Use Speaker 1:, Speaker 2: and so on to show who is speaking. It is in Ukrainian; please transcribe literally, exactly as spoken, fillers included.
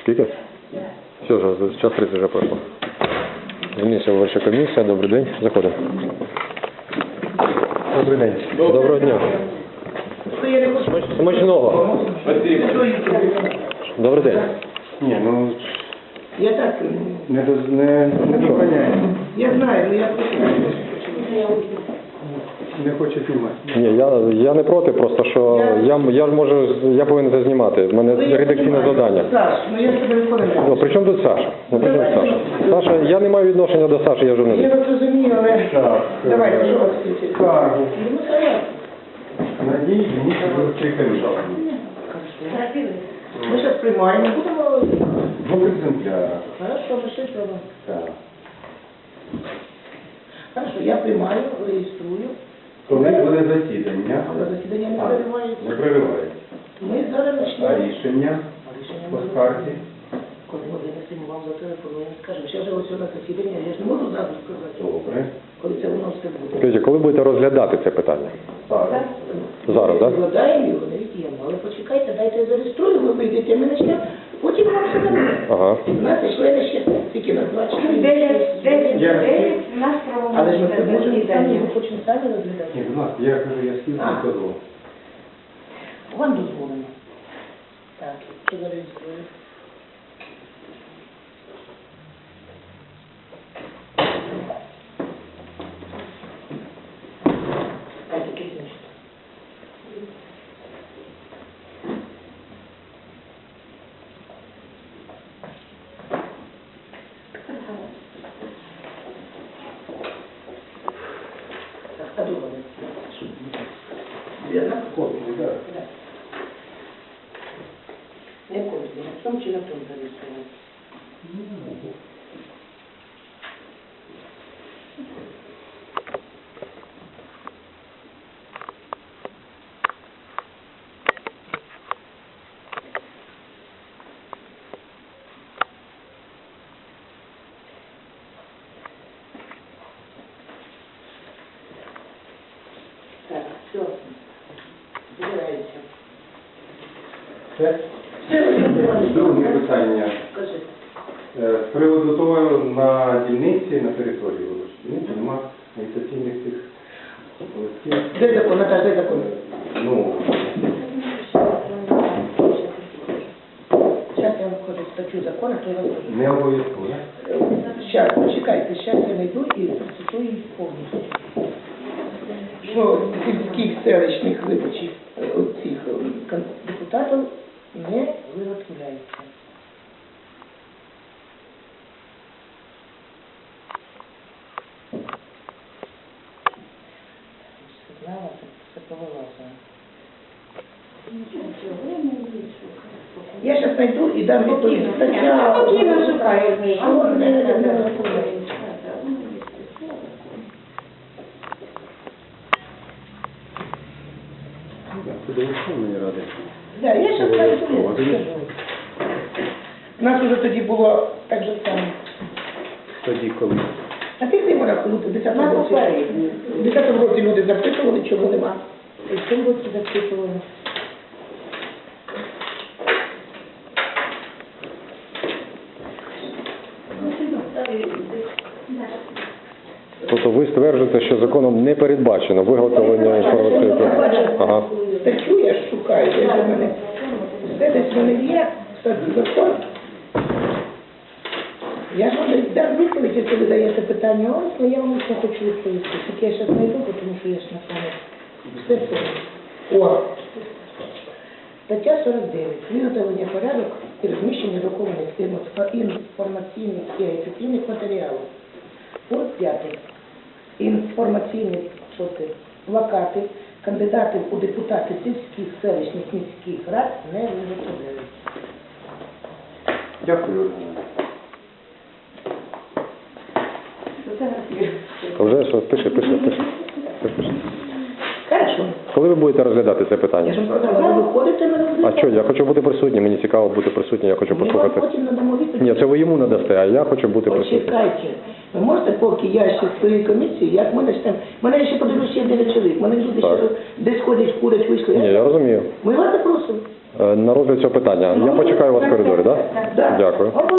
Speaker 1: Скільки? Все, вже, час тридцять вже пройшло. Комісія, виборча комісія, добрий день. Заходимо. Добрий день. Доброго дня. Смачного. Добрий день.
Speaker 2: Ні, ну,
Speaker 3: Я так,
Speaker 2: не, доз- не, не доганяє.
Speaker 3: я знаю, но я
Speaker 2: Не хоче знімати.
Speaker 1: Ні, я, я не проти, просто що я, я ж можу, я повинен це знімати. У мене редакційне завдання.
Speaker 3: Саш, ну я тебе виконую.
Speaker 1: Ну, при чому тут Саша? Ну, при чому Саша? Саша, я не маю відношення до Саші, я
Speaker 3: Я
Speaker 1: журналіст.
Speaker 3: вас розумію, але...
Speaker 2: Так.
Speaker 3: Давай, що вас включити?
Speaker 2: Скаргу.
Speaker 3: Ну, давай.
Speaker 2: Надій, мені виборчої комісії.
Speaker 3: Ми зараз приймаємо, будемо...
Speaker 2: Двох екземплярах.
Speaker 3: Хорошо, пиши треба.
Speaker 2: Так.
Speaker 3: Хорошо, я приймаю, реєструю.
Speaker 2: Коли буде засідання?
Speaker 3: Але засідання не
Speaker 2: А,
Speaker 3: переривається.
Speaker 2: не переривається.
Speaker 3: Ми зараз
Speaker 2: А
Speaker 3: почнемо.
Speaker 2: рішення
Speaker 3: Рішення
Speaker 2: по
Speaker 3: ми
Speaker 2: скарзі?
Speaker 3: Коли ми винесемо вам зателефонуємо, скажемо, ще ж ось у нас засідання, я ж не можу зразу сказати,
Speaker 2: Добре.
Speaker 3: коли це воно все буде.
Speaker 1: Скажіть, коли будете розглядати це питання?
Speaker 2: Зараз.
Speaker 1: Зараз, так?
Speaker 3: Вкладаємо його, не від'ємо. Але почекайте, дайте я зареєструю, ви вийдете, ми почнемо, потім вам все дадуть.
Speaker 1: Ага.
Speaker 3: У нас члени ще, тільки на два чотири.
Speaker 4: дев'ять, дев'ять,
Speaker 2: Я-
Speaker 4: дев'ять, у нас
Speaker 3: Але ж ми це
Speaker 4: правомочне
Speaker 3: можемо самі,
Speaker 4: засідання.
Speaker 3: ми хочемо самі розглядати.
Speaker 2: Ні, будь ласка, я кажу, я скільки
Speaker 3: А.
Speaker 2: кажу.
Speaker 3: Вам дозволено. Так, що зареєструю? А тільки значить. Так, а друга не вірно?
Speaker 2: Копію, так.
Speaker 3: Да. Не копію, на цьому чи на тому зареєструвати? Так, все. Збирається.
Speaker 2: Це
Speaker 3: Все, Володимир
Speaker 2: друге
Speaker 3: Іванович,
Speaker 2: питання.
Speaker 3: скажи.
Speaker 2: Е, З приводу того, на дільниці, на території виборчої дільниці нема агітаційних цих листів.
Speaker 3: Де закон, Наташа, де закон?
Speaker 2: Ну,
Speaker 3: Зараз я вам входжу в статтю закону, то я вам скажу.
Speaker 2: не обов'язково.
Speaker 3: Зараз, почекайте, зараз я знайду і процитую їх повністю. Що сільських селищних виборчих е, цих е, кон- депутатів не виготовляється. Знала, це, це повилазило. Я зараз знайду і дам відповідь. Стаття...
Speaker 4: Спокійно шукаю, Мій.
Speaker 3: Що не- не- не-
Speaker 2: Це до Верховної Ради.
Speaker 3: Да, я зараз знайду.
Speaker 2: Обов'язково.
Speaker 3: скажу. У нас уже тоді було так же само.
Speaker 2: Тоді коли?
Speaker 3: А ти цим рахунок, у десятому році, в десятому році люди запитували, чого нема. І в цьому році запитували.
Speaker 1: Тобто ви стверджуєте, що законом не передбачено виготовлення інформаційної програми? Ага.
Speaker 3: Статтю я ж шукаю, де ж у мене. Все десь в мене є, кстати, закон. Я ж вам дам відповідь, якщо ви даєте питання, ось, але я вам все хочу відповісти. Тільки я зараз знайду, тому що я ж на пам'ять. Все помню. О! Стаття сорок дев'ять. Виготовлення порядок і розміщення друкованих інформаційних і агітаційних матеріалів. Пункт п'ятий. Інформаційні що це, плакати кандидатів у депутати сільських, селищних, міських рад не виготовляються.
Speaker 2: Дякую.
Speaker 1: А вже що? Пиши, пиши, пиши. Пиши.
Speaker 3: Хорошо.
Speaker 1: Коли ви будете розглядати це
Speaker 3: Я
Speaker 1: питання?
Speaker 3: ж вам сказала, ви виходите, ми
Speaker 1: А
Speaker 3: розглядаємо.
Speaker 1: що, я хочу бути присутнім, мені цікаво бути присутнім, я хочу
Speaker 3: Ми вам
Speaker 1: послухати.
Speaker 3: потім надамо відповідь.
Speaker 1: Ні, це ви йому надасте, а я хочу бути присутнім.
Speaker 3: Почекайте. Ви можете, поки я ще в своїй комісії, як ми почнемо, мене ще подивлюсь, є дев'ять чоловік, мене люди
Speaker 1: Так.
Speaker 3: ще десь ходять, курять, вийшли.
Speaker 1: Ні, я розумію.
Speaker 3: Ми вас запросимо.
Speaker 1: Е, На розгляд цього питання. Я почекаю вас в коридорі, так?
Speaker 3: Да.
Speaker 1: Дякую.